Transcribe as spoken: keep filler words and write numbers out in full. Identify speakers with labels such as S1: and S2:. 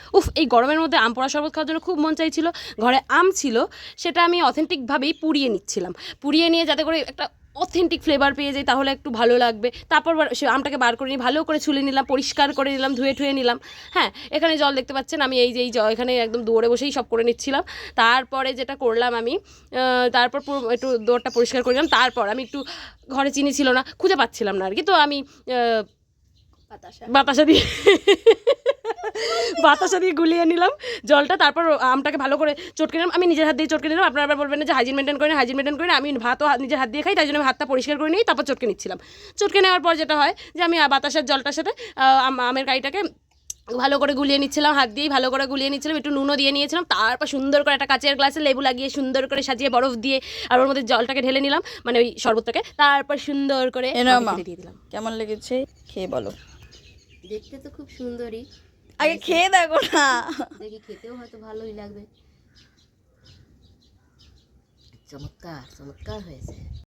S1: উফ, এই গরমের মধ্যে আম পোড়া শরবত খাওয়ার জন্য খুব মন চাইছিল। ঘরে আম ছিল, সেটা আমি অথেন্টিকভাবেই পুড়িয়ে নিচ্ছিলাম, পুড়িয়ে নিয়ে যাতে করে একটা অথেন্টিক ফ্লেভার পেয়ে যাই, তাহলে একটু ভালো লাগবে। তারপর সে আমটাকে বার করে নিয়ে ভালো করে ছুলে নিলাম, পরিষ্কার করে নিলাম, ধুয়ে ঠুয়ে নিলাম। হ্যাঁ, এখানে জল দেখতে পাচ্ছেন, আমি এই যে এই জল এখানে একদম দৌড়ে বসেই সব করে নিচ্ছিলাম। তারপরে যেটা করলাম আমি, তারপর একটু দৌড়টা পরিষ্কার করে নিলাম। তারপর আমি একটু, ঘরে চিনি ছিল না, খুঁজে পাচ্ছিলাম না আর কি, তো আমি বাতাসা বাতাসা দিয়ে বাতাসা দিয়ে গুলিয়ে নিলাম জলটা। তারপর আমটাকে ভালো করে চটকে নিলাম, আমি নিজের হাত দিয়ে চটকে নিলাম। আপনারা আবার বলবেন না যে হাইজিন মেনটেন করে না, হাইজিন মেনটেন করে না, আমি ভাতও নিজের হাত দিয়ে খাই, তাই জন্য আমি হাতটা পরিষ্কার করে নিই, তারপর চটকে নিচ্ছিলাম। চটকে নেওয়ার পর যেটা হয় যে আমি বাতাসার জলটার সাথে আমের কাইটাকে ভালো করে গুলিয়ে নিচ্ছিলাম, হাত দিয়েই ভালো করে গুলিয়ে নিচ্ছিলাম, একটু নুনও দিয়ে নিয়েছিলাম। তারপর সুন্দর করে একটা কাচের গ্লাসে লেবু লাগিয়ে সুন্দর করে সাজিয়ে বরফ দিয়ে আর ওর মধ্যে জলটাকে ঢেলে নিলাম, মানে ওই শরবতটাকে। তারপর সুন্দর করে দিয়ে দিলাম।
S2: কেমন লেগেছে খেয়ে বলো।
S3: দেখতে তো খুব সুন্দরই,
S2: আগে খেয়ে দেখো না,
S3: দেখি খেতেও হয়তো ভালোই লাগবে। চমৎকার চমৎকার হয়েছে।